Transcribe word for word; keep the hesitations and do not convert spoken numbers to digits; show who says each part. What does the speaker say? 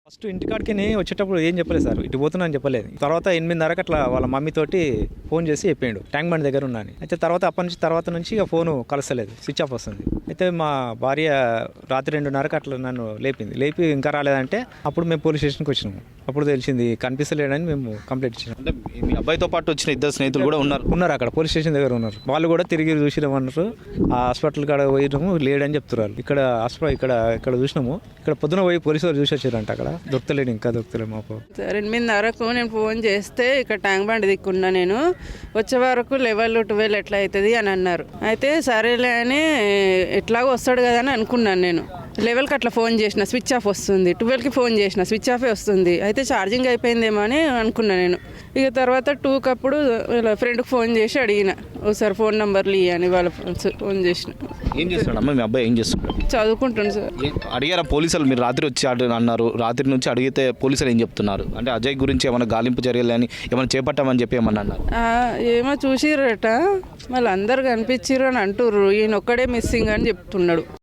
Speaker 1: First ఇంటికాడికి వచ్చేటప్పుడు ఏం చెప్పలేదు సార్, ఇటు పోతున్నా అని చెప్పలేదు. తర్వాత ఎనిమిదిన్నరకు అట్లా వాళ్ళ మమ్మీ తోటి ఫోన్ చేసి చెప్పిండు ట్యాంక్ బండ్ దగ్గర ఉన్నాను. అయితే తర్వాత అప్పటి నుంచి తర్వాత నుంచి ఇక ఫోను కలసలేదు, స్విచ్ ఆఫ్ వస్తుంది. అయితే మా భార్య రాత్రి రెండున్నరకు అట్లా నన్ను లేపింది. లేపి ఇంకా రాలేదంటే అప్పుడు మేము పోలీస్ స్టేషన్కి వచ్చినాము. అప్పుడు తెలిసింది కనిపిస్తలేడని మేము కంప్లైంట్ ఇచ్చినాం.
Speaker 2: అంటే మీ అబ్బాయితో పాటు వచ్చిన ఇద్దరు స్నేహితులు కూడా ఉన్నారు
Speaker 1: ఉన్నారు అక్కడ పోలీస్ స్టేషన్ దగ్గర ఉన్నారు. వాళ్ళు కూడా తిరిగి చూసినామన్నారు. ఆ హాస్పిటల్ కాడ పోయినాము, లేడని చెప్తున్నారు. ఇక్కడ హాస్పిటల్ ఇక్కడ ఇక్కడ చూసినాము. ఇక్కడ పొద్దున పోయి పోలీసు వాళ్ళు చూసి వచ్చారంట. అక్కడ దొరకలేడు, ఇంకా దొరకలేదు మాకు.
Speaker 3: ఎనిమిదిన్నరకు నేను ఫోన్ చేస్తే ఇక్కడ ట్యాంక్ బండ్ దిక్కున్నా, నేను వచ్చే వరకు లెవెల్ ట్వెల్వ్ ఎట్లా అవుతుంది అని అన్నారు. అయితే సరేలే అని ఎట్లాగో వస్తాడు కదా అని అనుకున్నాను. నేను లెవెల్కి అట్లా ఫోన్ చేసిన, స్విచ్ ఆఫ్ వస్తుంది. ట్వెల్వ్కి ఫోన్ చేసిన, స్విచ్ ఆఫే వస్తుంది. అయితే ఛార్జింగ్ అయిపోయిందేమో అని అనుకున్నాను నేను. ఇక తర్వాత టూకి అప్పుడు ఫ్రెండ్కి ఫోన్ చేసి అడిగిన, ఒకసారి ఫోన్ నెంబర్లు ఇవ్వని వాళ్ళ ఫోన్ చేసిన.
Speaker 2: ఏం చేస్తున్నాడు అమ్మ మీ అబ్బాయి? ఏం చేస్తున్నాడు?
Speaker 3: చదువుకుంటాను సార్.
Speaker 2: అడిగారా పోలీసులు? మీరు రాత్రి వచ్చి అడు- అన్నారు, రాత్రి నుంచి అడిగితే పోలీసులు ఏం చెప్తున్నారు? అంటే అజయ్ గురించి ఏమైనా గాలింపు చర్యలు అని ఏమైనా చేపట్టామని చెప్పి ఏమన్నా అన్నారు?
Speaker 3: ఆ, ఏమో చూసిరట, మళ్ళీ అందరు కనిపించిర్రు అని అంటుర్రు. ఈయన ఒక్కడే మిస్సింగ్ అని చెప్తున్నాడు.